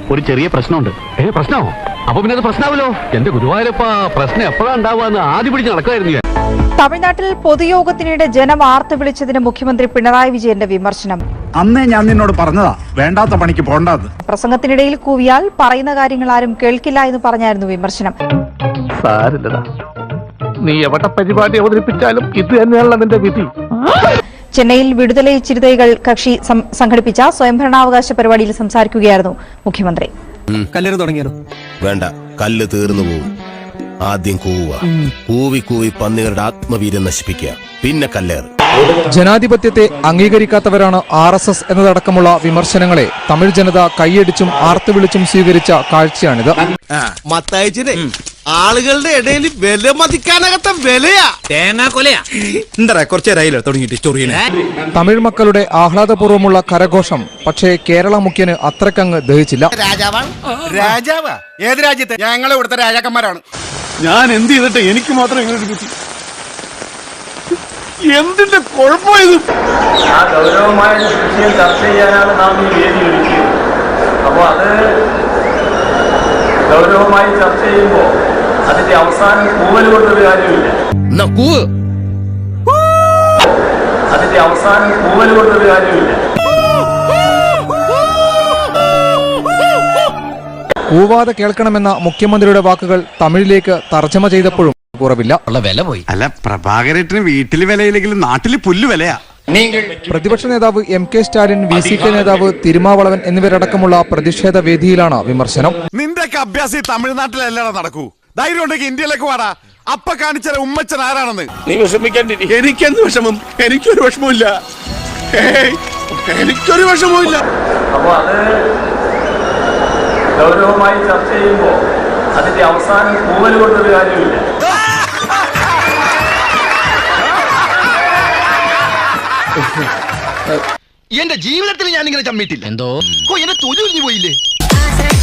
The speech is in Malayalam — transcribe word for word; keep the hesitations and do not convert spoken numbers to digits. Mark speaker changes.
Speaker 1: ഒരു ചെറിയ പ്രശ്നമുണ്ട്.
Speaker 2: ഏ പ്രശ്നമോ? അപ്പൊ പിന്നെ അത് പ്രശ്നമാവല്ലോ. എന്റെ ഗുരുവായൂരപ്പ, പ്രശ്നം എപ്പോഴാ ഉണ്ടാവുക ആദ്യം പിടിച്ച് നടക്കുമായിരുന്നു ഞാൻ.
Speaker 3: തമിഴ്നാട്ടിൽ പൊതുയോഗത്തിനിടെ ജനം ആർത്ത് വിളിച്ചതിന് മുഖ്യമന്ത്രി പിണറായി വിജയന്റെ വിമർശനം.
Speaker 4: അന്നേ ഞാൻ നിന്നോട് പറഞ്ഞതാ വേണ്ടാത്ത പണിക്ക് പോണ്ടാന്ന്.
Speaker 3: പ്രസംഗത്തിനിടയിൽ കൂവിയാൽ പറയുന്ന കാര്യങ്ങൾ ആരും കേൾക്കില്ല എന്ന് പറഞ്ഞായിരുന്നു വിമർശനം.
Speaker 2: സാരില്ലടാ, നീ എവിടെ പരിപാടി അവതരിപ്പിച്ചാലും ഇത് തന്നെയാണല്ലോ നിന്റെ വിധി.
Speaker 3: ചെന്നൈയിൽ വിടുതലൈ ചിരുതൈകൾ കക്ഷി സംഘടിപ്പിച്ച സ്വയംഭരണാവകാശ പരിപാടിയിൽ സംസാരിക്കുകയായിരുന്നു മുഖ്യമന്ത്രി.
Speaker 5: കല്ലേറ് തുടങ്ങിയാലോ?
Speaker 6: വേണ്ട, കല്ല് തീർന്നു പോവും. ആദ്യം കൂവുക. കൂവി കൂവി പന്നികളുടെ ആത്മവീര്യം നശിപ്പിക്കുക, പിന്നെ കല്ലേറ്.
Speaker 7: ജനാധിപത്യത്തെ അംഗീകരിക്കാത്തവരാണ് ആർ എസ് എസ് എന്നതടക്കമുള്ള വിമർശനങ്ങളെ തമിഴ് ജനത കൈയടിച്ചും ആർത്തു വിളിച്ചും സ്വീകരിച്ച കാഴ്ചയാണിത്.
Speaker 5: ആളുകളുടെ ഇടയിൽ വില മതിക്കാനകത്ത വിലയാ തേങ്ങാ കൊലയാ. എന്താ കുറച്ചേരായില്ലോ തുടങ്ങിയിട്ട് ചൊറിയണ.
Speaker 7: തമിഴ് മക്കളുടെ ആഹ്ലാദപൂർവ്വമുള്ള കരഘോഷം പക്ഷേ കേരള മുഖ്യന് അത്രക്കങ്ങ് ദഹിച്ചില്ല.
Speaker 5: രാജാവാണ് രാജാവാ. ഏത് രാജ്യത്തെ? ഞങ്ങളെ ഇവിടുത്തെ രാജാക്കന്മാരാണ്.
Speaker 4: ഞാൻ എന്ത് ചെയ്തിട്ട് എനിക്ക് മാത്രം ഇങ്ങനെ കിട്ടി? എന്തിന്റെ കുഴപ്പമായത്?
Speaker 8: ആ ഗൗരവമായ വിഷയം ചർച്ച ചെയ്യാനാണ് നാം ഈ വേദി ഒരുക്കിയത്. അപ്പോൾ അത് ഗൗരവമായി ചർച്ച ചെയ്യുമ്പോൾ അതിന്റെ അവസാനം കൂവൽ കൊണ്ടൊരു കാര്യമില്ല. അതിന്റെ അവസാനം കൂവൽ കൊണ്ടൊരു കാര്യമില്ല.
Speaker 7: കൂവാതെ കേൾക്കണമെന്ന മുഖ്യമന്ത്രിയുടെ വാക്കുകൾ തമിഴിലേക്ക് തർജ്ജമ ചെയ്തപ്പോഴും കുറവില്ല.
Speaker 5: വില പോയി.
Speaker 4: അല്ല, പ്രഭാകരേട്ടന് വീട്ടില് വിലയില്ലെങ്കിലും നാട്ടില് പുല്ല് വിലയാ.
Speaker 7: പ്രതിപക്ഷ നേതാവ് M K Stalin, V C K നേതാവ് തിരുമാവളവൻ എന്നിവരടക്കമുള്ള പ്രതിഷേധ വേദിയിലാണ് വിമർശനം.
Speaker 4: നിന്റെയൊക്കെ അഭ്യാസം തമിഴ്നാട്ടിലല്ലടാ നടക്കൂ. ധൈര്യം ഉണ്ടെങ്കിൽ ഇന്ത്യയിലേക്ക് വാടാ. അപ്പ കാണിച്ച ഉമ്മച്ചൻ ആരാണെന്ന്
Speaker 8: നീ വിഷമിക്കാണ്ടിരി.
Speaker 4: എനിക്കെന്ത് വിഷമം? എനിക്കൊരു വിഷമമില്ല. എനിക്കൊരു വിഷമമില്ല.
Speaker 8: അപ്പോൾ അത് ഗൗരവമായി ചർച്ച ചെയ്യുമ്പോൾ അതിന്റെ അവസാനം കൂവൽ കൊണ്ടൊരു കാര്യമില്ല.
Speaker 5: എന്റെ ജീവിതത്തിൽ ഞാൻ ഇങ്ങനെ ചമ്മിട്ടില്ല. എന്തോ എന്നെ തൊഴിൽ പോയില്ലേ.